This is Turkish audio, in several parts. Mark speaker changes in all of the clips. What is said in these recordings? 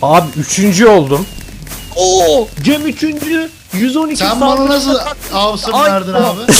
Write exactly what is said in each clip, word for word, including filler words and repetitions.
Speaker 1: Abi üçüncü oldum.
Speaker 2: Oo, Cem üçüncü. yüz on iki
Speaker 3: Sen bana nasıl avsın
Speaker 2: Ay,
Speaker 3: verdin
Speaker 2: oh.
Speaker 3: abi?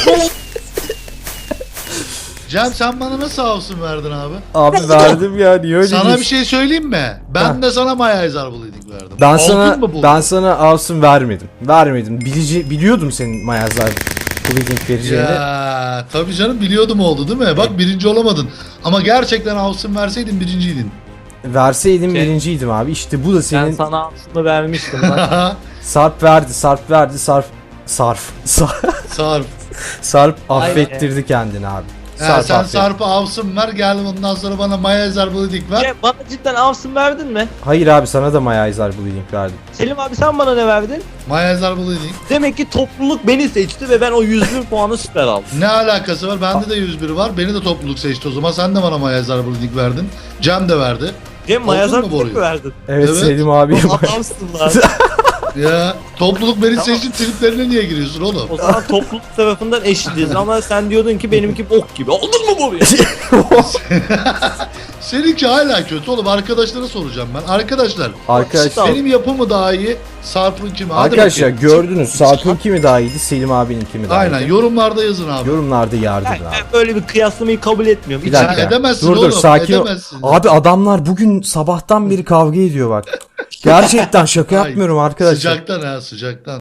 Speaker 3: Cem sen bana nasıl avsın verdin abi?
Speaker 1: Abi verdim ya, niye öyle
Speaker 3: Sana
Speaker 1: diyorsun?
Speaker 3: bir şey söyleyeyim mi? Ben
Speaker 1: Ha.
Speaker 3: de sana Maya Ezarbuluydik verdim.
Speaker 1: Ben
Speaker 3: Aldın
Speaker 1: sana
Speaker 3: mı bunu?
Speaker 1: ben sana Avsun vermedim. Vermedim. Bilici, biliyordum senin Mayazlar Bleeding vereceğini.
Speaker 3: Ya tabii canım biliyordum oldu değil mi? Bak birinci olamadın. Ama gerçekten avsın verseydin birinciydin.
Speaker 1: Verseydim
Speaker 2: Şey-
Speaker 1: birinciydim abi. İşte bu da
Speaker 2: Ben
Speaker 1: senin.
Speaker 2: sana aslında vermiştim bak.
Speaker 1: Sarp verdi, Sarp verdi, Sarp Sarp Sarp,
Speaker 3: Sarp.
Speaker 1: Sarp
Speaker 2: Aynen.
Speaker 1: affettirdi kendini abi.
Speaker 3: Ha, sen
Speaker 1: affet-
Speaker 3: Sarp'a avsın ver gel bundan sonra bana Maya Ezarbuludik ver.
Speaker 2: Cem bana cidden avsın verdin mi?
Speaker 1: Hayır abi, sana da Mayazlar Bleeding verdim.
Speaker 2: Selim abi sen bana ne verdin?
Speaker 3: Maya Ezarbuludik.
Speaker 2: Demek ki topluluk beni seçti ve ben o yüz bir puanı süper aldım.
Speaker 3: Ne alakası var? Bende de yüz bir var. Beni de topluluk seçti o zaman. Sen de bana Maya Ezarbuludik verdin. Cem de verdi.
Speaker 2: Cem mayazar
Speaker 3: mu
Speaker 2: mı
Speaker 3: boruyu?
Speaker 2: verdin?
Speaker 1: Evet,
Speaker 3: Evet.
Speaker 1: Selim abi.
Speaker 2: Oğlum adamsın lan.
Speaker 3: Ya topluluk beni seçti, triplerine niye giriyorsun oğlum?
Speaker 2: O zaman topluluk tarafından eşitiz ama sen diyordun ki benimki bok gibi. Oldun mu bu?
Speaker 3: Seninki hala kötü oğlum. Arkadaşlara soracağım ben. Arkadaşlar
Speaker 1: Arkadaşlar,
Speaker 3: benim yapımı daha iyi, Sarp'ın kimi? Hadi
Speaker 1: arkadaşlar
Speaker 3: bakayım.
Speaker 1: gördünüz. Sarp'ın kimi daha iyiydi, Selim abinin kimi daha
Speaker 3: Aynen
Speaker 1: iyiydi.
Speaker 3: yorumlarda yazın abi.
Speaker 1: Yorumlarda yardım
Speaker 2: Ben,
Speaker 1: abi.
Speaker 2: ben böyle bir kıyaslamayı kabul etmiyorum.
Speaker 1: Bir
Speaker 2: İçim-
Speaker 1: dakika.
Speaker 3: Ya edemezsin
Speaker 1: Dur dur,
Speaker 3: oğlum,
Speaker 1: sakin ol.
Speaker 3: edemezsin.
Speaker 1: Abi adamlar bugün sabahtan beri kavga ediyor bak. Gerçekten şaka
Speaker 3: Ay,
Speaker 1: yapmıyorum arkadaşlar.
Speaker 3: Sıcaktan ha sıcaktan.